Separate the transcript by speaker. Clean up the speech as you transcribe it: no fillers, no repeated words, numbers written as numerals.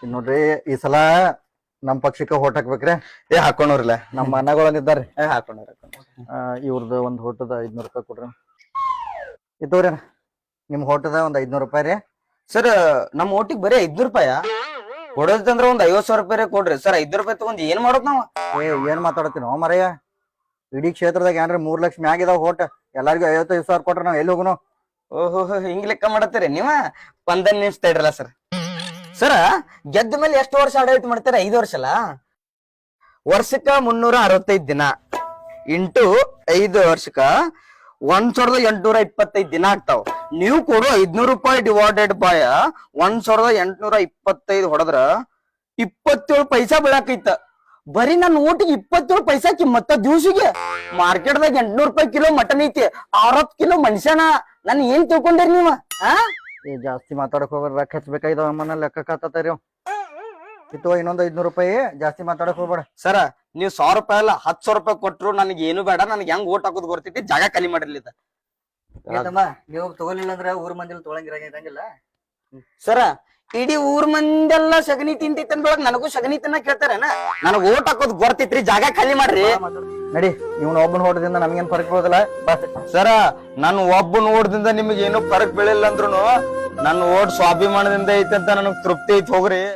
Speaker 1: ನೋಡ್ರಿ ಈ ಸಲ ನಮ್ ಪಕ್ಷಕ್ಕೆ ಹೋಟ್ ಹಾಕ್ಬೇಕ್ರಿ.
Speaker 2: ಹಾಕೊಂಡ್ರಲ್ಲ
Speaker 1: ನಮ್ಮ ಅಣ್ಣಗಳೊಂದಿದ್ದಾರ್ರಿ.
Speaker 2: ಹಾಕೊಂಡ್ರ
Speaker 1: ಇವ್ರದ್ದು ಒಂದ್ ಹೋಟದ 500 ರೂಪಾಯಿ ಕೊಡ್ರಿ. ಇದ್ದವ್ರಿ ನಿಮ್ ಹೋಟದ ಒಂದ್ 500 ರೂಪಾಯಿ ರೀ.
Speaker 2: ಸರ್ ನಮ್ ಓಟಿಗೆ ಬರೀ 500 ರೂಪಾಯ ಕೊಡೋದಂದ್ರ ಒಂದ್ 50,000 ರೂಪಾಯಿ ಕೊಡ್ರಿ ಸರ್. 500 ರೂಪಾಯಿ ತಗೊಂಡ್ ಏನ್ ಮಾಡೋದ್ ನಾವ್?
Speaker 1: ಏನ್ ಮಾತಾಡತ್ತೀನೋ ಮರಯ್ಯ, ಇಡೀ ಕ್ಷೇತ್ರದಾಗ ಏನ್ರಿ 3 ಲಕ್ಷ ಮ್ಯಾಗ ಇದಾವ ಹೋಟ್, ಎಲ್ಲಾರ್ಗು 55,000 ಕೊಟ್ರ ನಾವ್ ಎಲ್ಲಿ ಹೋಗುನು?
Speaker 2: ಓಹೋ ಹಿಂಗ್ ಲೆಕ್ಕ ಮಾಡತ್ತೀರಿ ನೀವ? 15 ನಿಮಿಷ ತಡ್ರಲ್ಲ ಸರ್. ಸರ ಗೆದ್ದ ಮೇಲೆ ಎಷ್ಟು ವರ್ಷ ಆಡಳಿತ ಮಾಡ್ತೀರ? 5 ವರ್ಷ ಅಲ್ಲ. ವರ್ಷಕ್ಕ 365 ದಿನ ಇಂಟು 5 ವರ್ಷಕ್ಕ 1,825 ದಿನ ಆಗ್ತಾವ. ನೀವು ಕೊಡು 500 ರೂಪಾಯಿ ಡಿವೈಡೆಡ್ ಬೈ 1,825 ಹೊಡೆದ್ರ 27 ಪೈಸಾ ಬೀಳಾಕೈತ. ಬರೀ ನನ್ನ ಊಟಿಗೆ 27 ಪೈಸಾ ಕಿಮ್ಮತ್ತ. ದಿವ್ಸಿಗೆ ಮಾರ್ಕೆಟ್ದಾಗ 800 ರೂಪಾಯಿ ಕಿಲೋ ಮಟನ್ ಐತಿ, 60 ಕಿಲೋ ಮನುಷ್ಯನ. ನನ್ ಏನ್ ತಿಳ್ಕೊಂಡಿರಿ ನೀವ?
Speaker 1: ಜಾಸ್ತಿ ಮಾತಾಡಕ್ ಹೋಗ್ಬೇಡ, ರೊಕ್ಕ ಹಚ್ಬೇಕಾಯ್ದವ ಅಮ್ಮನ ಲೆಕ್ಕ ಕಾತತಾರಿ. ಇತ್ತು ಇನ್ನೊಂದ್ 500 ರೂಪಾಯಿ, ಜಾಸ್ತಿ ಮಾತಾಡಕ್ ಹೋಗ್ಬೇಡ.
Speaker 2: ಸರ ನೀವ್ 100 ರೂಪಾಯಿ ಅಲ್ಲ 10,000 ರೂಪಾಯಿ ಕೊಟ್ರು ನನಗೆ ಏನು ಬೇಡ. ನನಗೆ ಹೆಂಗ್ ಓಟ್ ಹಾಕೋದ್ ಗೊತ್ತೈತಿ. ಜಾಗ ಖಾಲಿ ಮಾಡಿರ್ಲಿಲ್ಲ
Speaker 1: ನೀವು ತಗೊಲಿಲ್ಲ ಅಂದ್ರೆ ಊರ್ ಮಂದಿಲ್ ತೊಳಂಗಿರಂಗಿಲ್ಲ.
Speaker 2: ಸರ ಇಡೀ ಊರ್ ಮಂದೆಲ್ಲ ಸಗಣಿ ತಿಂತೈತಿ ಅಂದ್ರೊಳಗ್ ನನಗೂ ಸಗಣಿ ತಿನ್ನ ಕೇಳ್ತಾರೇನ? ನನಗ್ ಓಟ್ ಹಾಕೋದ್ ಗೊತ್ತೈತ್ರಿ. ಜಾಗ ಖಾಲಿ ಮಾಡ್ರಿ.
Speaker 1: ನಡಿ, ಇವ್ನ ಒಬ್ಬನ ಹೋಟದಿಂದ ನಮ್ಗೇನ್ ಫರಕ್ ಬೀಳೋದಿಲ್ಲ.
Speaker 2: ಸರ ನಾನು ಒಬ್ಬ ಓಟ್ದಿಂದ ನಿಮ್ಗೆ ಏನೋ ಫರಕ್ ಬೀಳಿಲ್ಲ ಅಂದ್ರುನು ನನ್ನ ಓಟ್ ಸ್ವಾಭಿಮಾನದಿಂದ ಐತೆ ಅಂತ ನನಗ್ ತೃಪ್ತಿ ಐತಿ. ಹೋಗ್ರಿ.